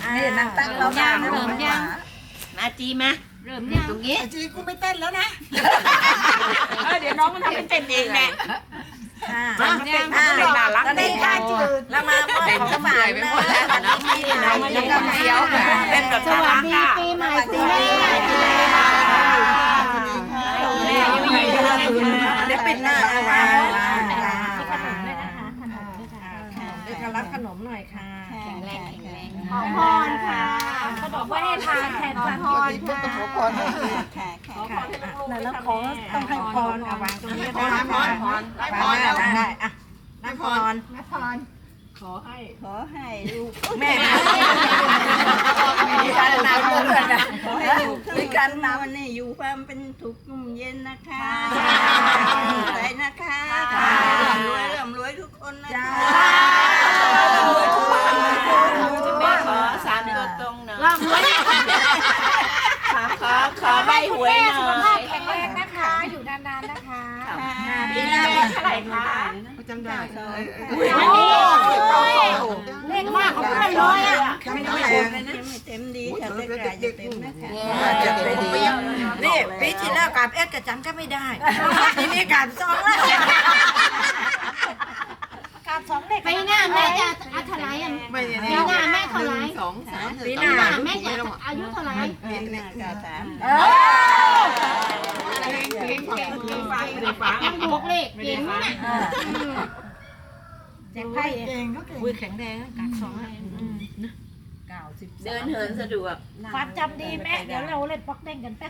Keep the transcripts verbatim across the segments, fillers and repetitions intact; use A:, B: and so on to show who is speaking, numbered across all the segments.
A: นี่นางตั้งเราย่างเริ่มย่างมาจีมาเริ่มย่างตรงนี้จีกูไม่เต้นแล้วนะเดี๋ยวน้องมันทำเป็นเต้นเองแหละมาเต้นน่ารักเต้นได้จืดแล้วมามอบของฝากนะน้องพี่น้องแล้วก็เที่ยวเต้นกับสวัสดีปีใหม่ปีใหม่เดี๋ยวปิดหน้าเอาไว้เดี๋ยวรับขนมหน่อยค่ะแข็งแรงแข็งแรงขอพรค่ะขนมไว้ให้ทานแทนพรค่ะขอพรค่ะค่ะแล้วขอต้องให้พรเอาวางตรงนี้ได้พรพรให้พรได้อ่ะให้พรให้พรขอให้ขอให้ลูกแม่มีการนำเลยนะขอให้ลูกมีการนำวันนี้อยู่ความเป็นทุกข์นุ่มเย็นนะคะใจนะคะร่ำรวยร่ำรวยทุกคนนะคะแม่ขอสามตัวตรงหน่อยร่ำรวยขอขอใบหวยหน่อยสุขภาพแข็งแรงนะคะอยู่นานๆนะคะปีหน้าเป็นเท่าไหร่คะจำได้เลขมากของเพื่อนร้อยอ่ะไม่ต้องแรงเลยนะไม่เต็มดีค่ะแต่กายจะเต็มนะคะจะเต็มดีนี่ปีที่แล้วกับเอ็ดกับจันก็ไม่ได้ทีนี้กับสองแล้วกับสองเด็กปีหน้าแม่จะอายุเท่าไหร่ปีหน้าแม่เท่าไหร่สองสามปีหน้าแม่จะอายุเท่าไหร่ปีหน้ากับสามเก่งเก่งเก่งไปยังบวกเลขเก่งนะแจกไพ่เก่งก็เก่งอุ้ยแข็งแรงกัดสองเก้าสิบเดินเหินสะดวกความจำดีแม่เดี๋ยวเราเล่นป๊อกเด้งกันแป๊บ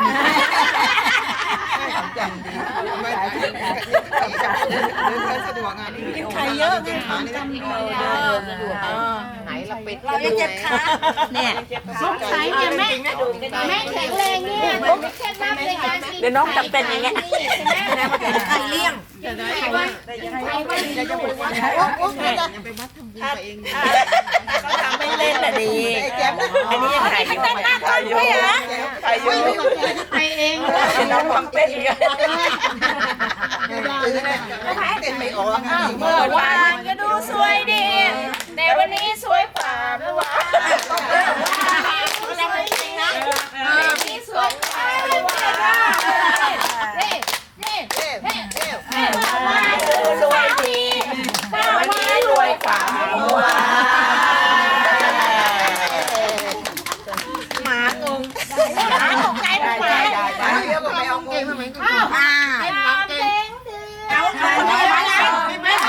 A: ความจำดีไม่ใช่ความจำเดินเหินสะดวกงานนี้ใครเยอะไงความจำดีเดินสะดวกไหนเราเป็ดเราจะเจ็บขาเนี่ยสงสัยเนี่ยแม่แม่แข็งแรงเนี่ยผมแค่นับในการเดี๋ยวน้องจำเป็นอย่างเงี้ยใครเลี้ยงใครว่าใครว่าจะจะไปวัดโอ้โหจะไปวัดทำบุญตัวเองก็ทำไม่เล่นแหละดีอันนี้ยังถ่ายอยู่ถ่ายอยู่ถ่ายอยู่ไปเองน้องทำเป็นอีกเต้นไม่ออกเมื่อวานก็ดูสวยดีแต่วันนี้สวยกว่าเมื่อวานสวยจริงนะวันนี้สวยกว่าเมื่อวานเฮ้เฮ้เฮ้เฮ้เฮ้เมื่อวานดูรวยดีแต่วันนี้รวยกว่าเมื่อวานหมางงหมาตกใจทำไมเดี๋ยวก็ไปเอาเกมทำไมอ้าวเก่งเอาเอาไม่ไม่ไม่ไม่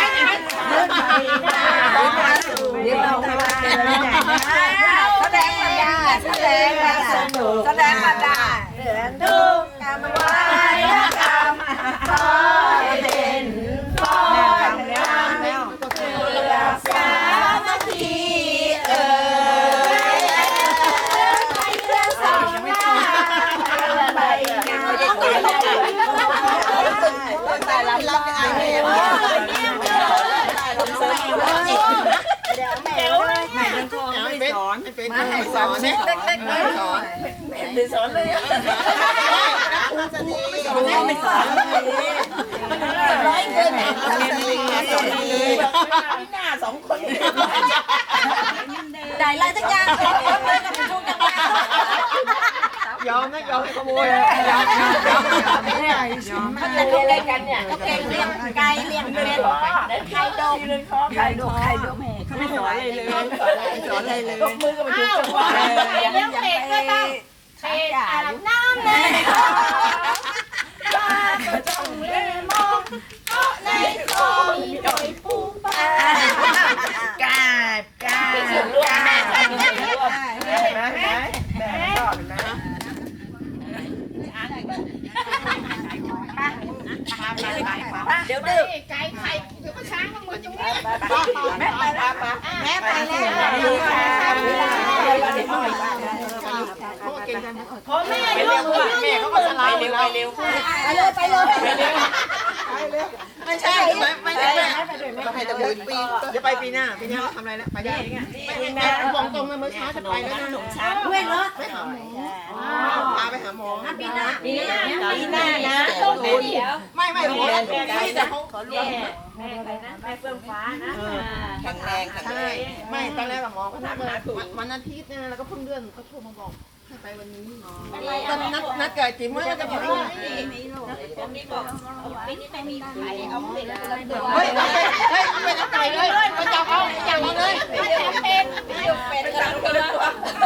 A: เดี๋ยวเราทำแสดงปัญญาแสดงสนุกแสดงปัญญาเรื่องดูการมาไหว้กรรมขอให้เป็นฟ้อนรำเพื่อสามัคคีเอ่ยไปเรื่องสองหน้าไปงานตายแล้วรับงานเลยเดี๋ยวแม่เลยแม่เป็นคนไม่สอนมาให้สอนเล็กๆเลยสอนไม่สอนเลยไม่สอนไม่สอนร้อยเกินพี่หน้าสองคนได้ไรสักอย่างเลยกับเป็นช่วงจังหวะยอมนะยอมขโมยยอมยอมยอมยอมไม่ได้มันจะดูอะไรกันเนี่ยเขาเก่งเลี้ยงไก่เลี้ยงเป็ดไข่ดกไข่ดกไข่ดกแม่เขาไม่สอนอะไรเลยสอนอะไรเลยยกมือก็ไม่ถูกจังหวะเลี้ยงเป็ดก็ต้องเทอาบน้ำเลยก็ต้องเล่นมองเพราะในคลองมีดอยปูปลากาบกาบกาบเดี๋ยวดื้อไก่ไข่เดี๋ยวก็ช้างมันหมดตรงนี้แม่ไปแล้วแม่ไปแล้วพอแม่เร็วแม่เขาก็สลายเร็วไปเร็วไปเลยไปเลยไม่ใช่ไม่ไม่ใช่แม่ไปแต่ปีปีเดี๋ยวไปปีหน้าปีหน้าทำอะไรแล้วไปได้ปีหน้าบอกตรงเลยเมื่อเช้าจะไปแล้วนะหนุ่มช้างด้วยเหรอไปหาหมอพาไปหาหมอปีหน้าปีหน้าปีหน้านะต้องเดี๋ยวไม่ไม่หมอไม่แต่เขาขอรวมแม่ไปนะแม่เฟื่องฟ้านะแข็งแรงแข็งแรงไม่ตอนแรกหมอเขานัดเลยวันอาทิตย์เนี่ยแล้วก็เพิ่งเลื่อนเขาโทรมาบอกให้ไปวันนี้ตอนนัดนัดเกิดจิ๋มว่าจะไปที่นี่เฮ้ยเฮ้ยไปนัดไก่เลยไปจับเอาจับเอาเลยเป็นเป็นกระดูกเลย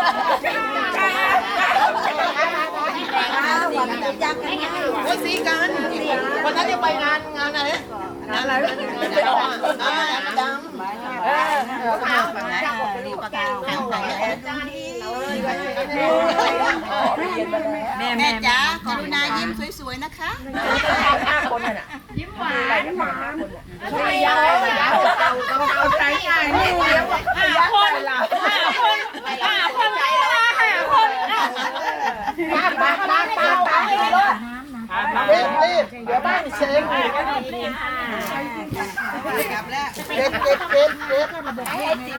A: โอ้ยสีกันวันนั้นจะไปงานงานอะไรงานอะไรงานดำเออขาวแบบไหนปากกาขาวแม่แม่จ๋ากรุณายิ้มสวยๆนะคะยิ้มหวานหวานใช่ยาวๆเอาเอาใจง่ายนี่เดี๋ยวห้าคนห้าคนห้าคนห้าคนปาปาปาปาปาเรีบรีบเดี๋ยวบ้านเซ็งกลับแล้วเก็บเก็บเก็บเก็บ